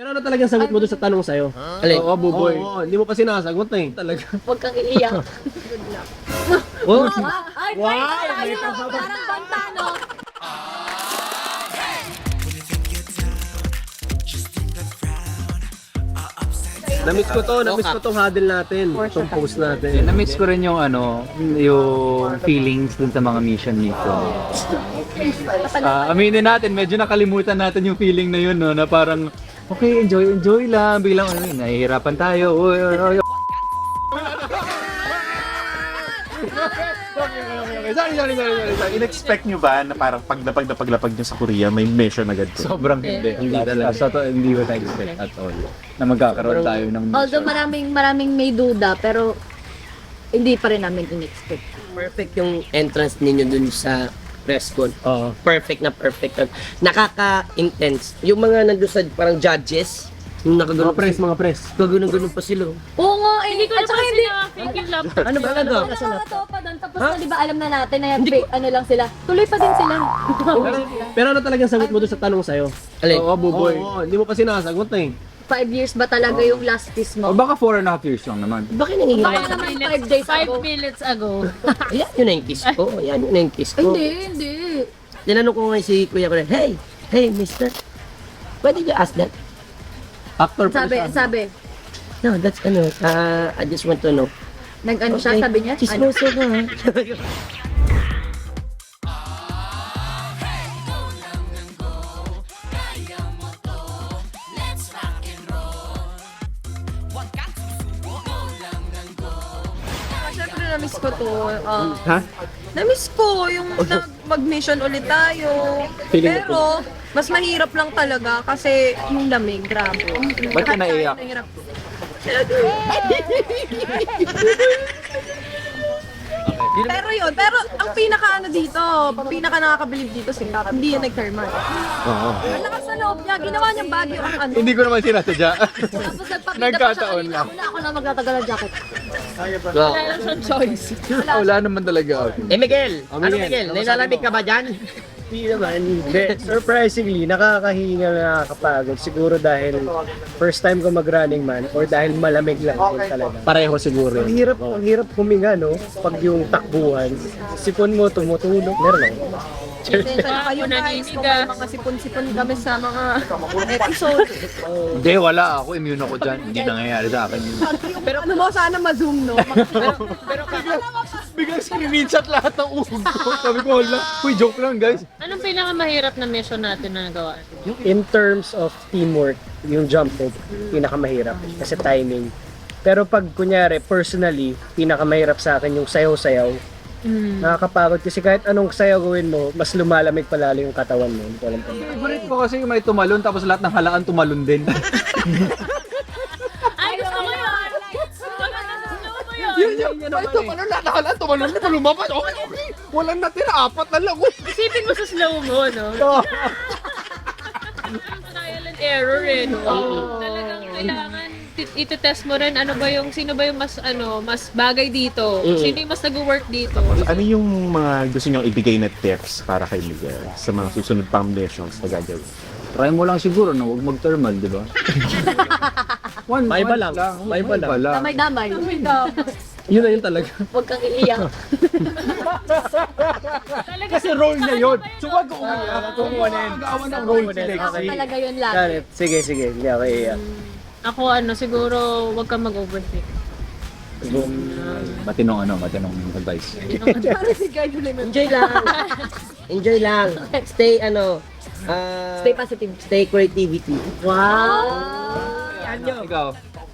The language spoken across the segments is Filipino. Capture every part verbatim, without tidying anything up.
Pero ano talagang sagot mo doon sa tanong sa'yo? Alin? Oo, buboy. Oo, hindi mo pa sinasagot na eh. Talaga. Huwag kang iiyak. Good luck. Oh, Ay, wow! Parang banta, no? na-miss ko to, na-miss ko tong huddle natin, tong post natin. Na-miss ko rin yung ano, yung feelings dun sa mga mission mission. Ah, aminin natin, medyo nakalimutan natin yung feeling na yun, no, na parang okay, enjoy, enjoy lang, biglang ano, nahihirapan tayo. Uy, uy, uy. Sorry, sorry, sorry, sorry, sorry. In-expect nyo ba na parang paglapag na paglapag nyo sa Korea, may mission agad to? Sobrang hindi. Hindi talaga. Sa to, hindi ko na-expect at all na magkakaroon tayo ng mission. Although maraming maraming may duda, pero hindi pa rin namin in-expect. Perfect yung entrance ninyo dun sa press con. Oo. Perfect na perfect. Nakaka-intense. Yung mga nandun sa parang judges, yung Mga nakagano'n press, mga press. Gagano'n-gano'n pa sila. Oo nga, eh. Hindi ko At naman saka hindi. sina-fake yung laptop. Ano ba talaga? Nakakatawa pa doon. Tapos na, di ba, alam na natin na yan, fake, ano lang sila. Tuloy pa din sila. Pero, pero ano talagang sagot mo doon sa tanong sa'yo? Alin? Oo, buboy. Oo, hindi mo pa sinasagot na eh. Five years ba talaga yung last kiss O mo? baka four and a half years lang naman. Bakit Baka nangyayari? naman five days Five ago. minutes ago. Ayan yun na yung kiss ko. Ayan yun na yung kiss ko. Hindi, hindi. Tinanong ko nga si Kuya ko na, hey, hey, mister, why did you ask that? Actor pa Sabi, siya. sabi. No, that's ano, uh, I just want to know. Nag-ano siya, sabi niya? Ano? Chismoso ka ha? Siyempre na-miss ko to. ah, Ha? na-miss ko yung nag- mag-mission ulit tayo. Feeling Pero, mas mahirap lang talaga kasi yung lamig, grabe. Ba't ka naiyak? Nahirap. Pero yun, pero ang pinaka ano dito, pinaka nakakabilib dito si Cap, hindi yan nag-thermal. Oo. Ang lakas sa loob niya, ginawa niyang bagyo ang ano. Hindi ko naman sinasadya. Tapos nagpakita pa siya Nagkataon kanina. lang. Ako na ako na magtatagal ng jacket. Go. Wala lang siyang choice. Wala naman talaga. Eh, Miguel, Oh, ano Miguel, Miguel? Nilalamig ka ba dyan? Hindi naman. Hindi. Surprisingly, nakakahinga na nakakapagod. Siguro dahil first time ko mag-running man or dahil malamig lang din talaga. Pareho siguro. Ang hirap, ang hirap huminga, no? Pag yung takbuhan, sipon mo tumutulog. Meron ako. Pasensya na kayo guys, kung may mga sipon-sipon kami sa mga episode. Hindi, wala ako. Immune ako dyan. Hindi nangyayari sa akin yun. Pero ano mo, sana ma-zoom, no? Biglang sinininshot lahat ng uog ko. Sabi ko, hala. Uy, joke lang guys. Anong pinakamahirap na mission natin na nagawa? In terms of teamwork, yung jump rope, pinakamahirap. Kasi timing. Pero pag kunyari, personally, pinakamahirap sa akin yung sayaw-sayaw. Nakakapagod kasi kahit anong sayaw gawin mo, mas lumalamig palalo yung katawan mo. Hindi ko alam kung Favorite ko kasi yung may tumalon tapos lahat ng halaan tumalon din. Ay, gusto ko yun! Gusto ko yun! Yun yun. May tumalon lahat ng halaan tumalon. May lumapat. Okay, okay. Walang natira. Apat na lang. Isipin mo sa slow mo, no? Trial and error eh, no? Talagang kailangan ti- iti-test mo rin ano ba yung sino ba yung mas ano mas bagay dito, sino yung mas nag-work dito. Ano yung mga gusto nyo ibigay na tips para kay Miguel sa mga susunod pang missions na gagawin? Try mo lang siguro na huwag mag-thermal, di ba? One, Maiba one lang. Maiba lang. lang. Damay-damay. Yun na yun talaga. Huwag kang iiyak. Kasi role niya yun. So wag ko umiyak. Kung magawa ng role si Ako Lexi. talaga yun lagi. Got it. Sige, sige. Hindi ako iiyak. Ako ano, siguro wag kang mag-overthink. Matinong ano, matinong advice. Parang si Guy Duliman. Enjoy lang. Enjoy lang. Stay ano, ah, Stay positive. stay creativity. Wow! Ikaw.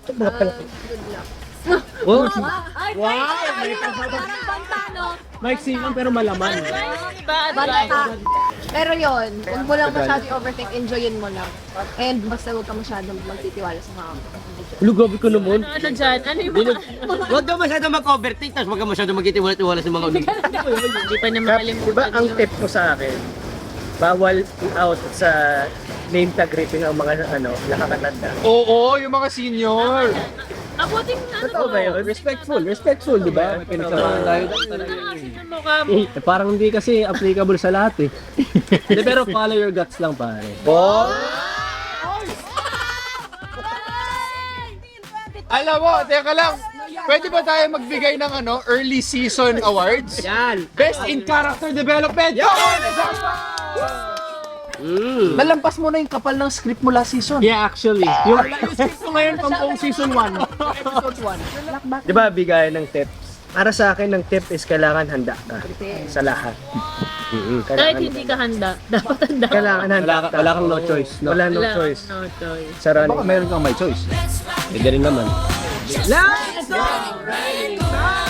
Oh, Ay, wow! Parang banta, no? Mike Simon pero malaman. Diba, Banta. Pero yun, huwag mo lang masyado overthink, enjoyin mo lang. And basta huwag ka masyadong magtitiwala sa mga Lugabi ko naman. Ano, ano dyan? Ano yung mga... Huwag ka masyado mag-overthink, tapos huwag ka masyado magkitiwala-tiwala sa mga unig. Hindi pa niya Kap, makalimutan. di ba ang yun. tip ko sa akin, bawal out sa name tag ripping ang mga ano, nakakatanda. Oo, yung mga senior. Abuting ano Totoo ba yun? Respectful, respectful, di ba? Pinagsamahan tayo talaga Kasi yun. yung mukha mo. Eh, parang hindi kasi applicable sa lahat eh. Hindi, pero follow your guts lang pare. Alam mo, teka lang. Pwede ba tayo magbigay ng ano, early season awards? Yan. Best in character development. Mm. Nalampas mo na yung kapal ng script mo last season. Yeah, actually. Yung, Yung script mo ngayon pang buong season one. Episode one. di ba, bigay ng tips? Para sa akin, ng tip is kailangan handa ka sa lahat. Kahit Kailangan, hindi ka handa, dapat handa. kailangan handa Wala, ka- ka. wala kang no choice, no? Wala no Wala, choice. No choice. Sa running. Baka meron kang may choice. Pwede rin naman. Let's go!